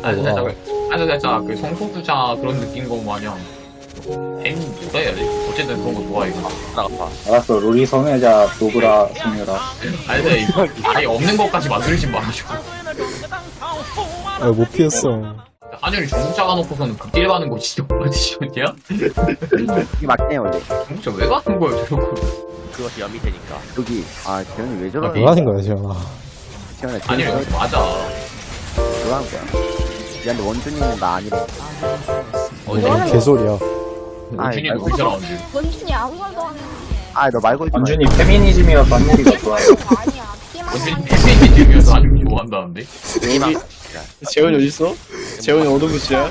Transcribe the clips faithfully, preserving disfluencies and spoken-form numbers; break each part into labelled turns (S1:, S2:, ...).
S1: 아니 살짝 아니 살짝 그 성소수자 그런 느낌 거 마냥 엠 뭐라 해야 돼? 어쨌든 그런 거 좋아해.
S2: 나가봐.
S3: 알았어, 로리 성애자 노브라 성녀라.
S1: 아니 근데 이거 아예 없는 것까지 만들지 말아줘.
S4: 아, 못 피했어.
S1: 한율이 전국자 가놓고서는 극딜 가는 거 진짜 뭐지셨냐?
S5: 이게 맞네 원래.
S1: 전국자 왜 가는 거야 저거?
S2: 그것이 염이 되니까.
S5: 여기 아 재현이 왜
S4: 아,
S5: 저러는
S4: 뭐 하는 거야, 지현아.
S5: 재현아
S1: 아니
S5: 재현이
S1: 이거 맞아.
S5: 뭐 하는 거야? 미안데 원준이는 나 아니래.
S1: 어제
S4: 뭔 개소리야.
S1: 원준이도
S5: 아니,
S1: 그 사람인데.
S6: 원준이 아무 말도 안 했는데.
S5: 아 너 말고 있지 마.
S3: 완전히 페미니즘이라서 한율이가 좋아요.
S6: 아니야. 게임하는
S1: 원준이 페미니즘이어서 아주 좋아한다는데?
S2: 게임하고.
S7: 재원이 어딨어? 재원이 어느 부스야?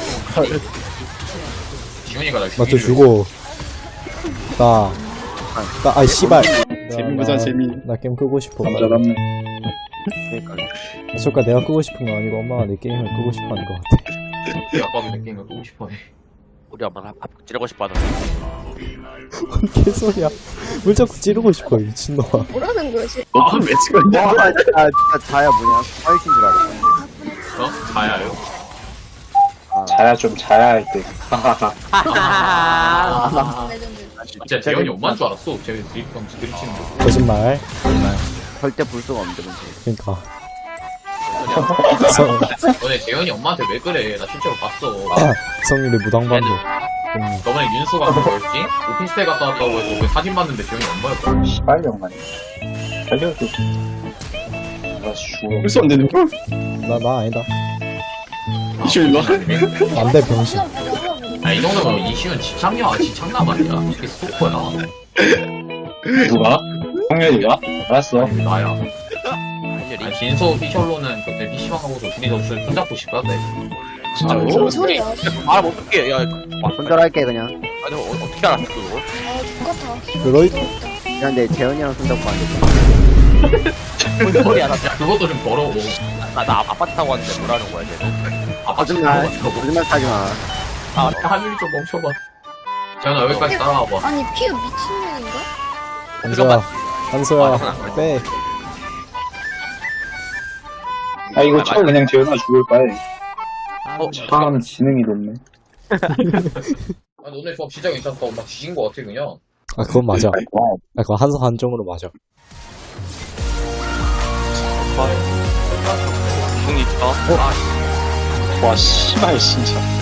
S1: 지훈이가 나
S4: 맞춰 주고. 나. 나, 아이, 씨발.
S7: 재미보자 재미.
S4: 나 게임 끄고 싶어.
S3: 남자답네.
S5: 그러니까
S4: 저까 내가 끄고 싶은 거 아니고 엄마가 내 게임을 끄고 싶어 하는 것 같아.
S1: 우리 아빠도 내 게임을 끄고 싶어해.
S2: 우리 엄마는 밥 찌르고 싶어 하는
S4: 뭔 개소리야. 뭘 자꾸 찌르고 싶어, 이 미친놈아.
S6: 뭐라는 거지?
S1: 아,
S7: 왜 찍었냐?
S5: 아 진짜 진짜 자야 뭐냐? 화이트인 줄 알았어.
S1: 어? 자야요?
S3: 자야 좀 자야 할 때. 하하하.
S1: 아,
S6: 레전드.
S1: 진짜 재현이 엄마인 줄 알았어. 재현이 드립방 드립치는 거.
S4: 거짓말.
S5: 절대 볼 수가 없는데 문제.
S4: 그니까. 성,
S1: 너네 재현이 엄마한테 왜 그래? 나 실제로 봤어.
S4: 성일이 무당반도.
S1: 저번에 윤수가 그 뭐였지? 오피스텔 갔다 왔다고 해서 그 사진 봤는데 재현이 엄마였거든.
S3: 시발 영만. 살려줘. 아, 죽어.
S7: 벌써 안 되는 거?
S4: 나, 나 아니다.
S7: 이슈 일로 와.
S4: 안 돼, 병신.
S1: 아, 이 정도면 이시은 지창녀, 지창남 아니야? 이게 스토커야.
S3: 누가? 성렬이가? 알았어.
S1: 나야.
S2: 한율이.
S1: 아니, 진서 피셜로는 그때 피시방 하고서 둘이서 술 손잡고 싶다네.
S7: 진짜로?
S6: 뭔 소리야?
S2: 아, 뭐 어떡해. 야, 와,
S5: 손절할게 그냥.
S2: 아니, 어, 어떻게 알았어, 그거?
S6: 아, 똑같아.
S4: 그러이,
S5: 미안데 재현이랑 손잡고 안 돼.
S2: 뭔 소리야, 나,
S1: 야, 그것도 좀 더러워.
S2: 나, 나 아파트 타고 왔는데 뭐라는 거야, 쟤는?
S1: 아빠
S5: 거짓말.
S1: 진짜
S5: 거짓말 하지 마.
S1: 아, 하늘이 좀 멈춰봐. 재현아, 여기까지 따라와봐.
S6: 아니, 피가 미친년인가?
S4: 한소야. 한소야, 빼.
S3: 아, 이거 쳐 그냥 재현아 죽을 바에.
S2: 어,
S3: 참 지능이 높네.
S1: 아, 너네 조합 진짜 괜찮다. 막 지진 거 같아, 그냥.
S4: 아, 그건 맞아.
S3: 와,
S4: 아, 그건 한소 한정으로 맞아.
S2: 중이 있어. 아,
S3: 와, 씨발, 진짜.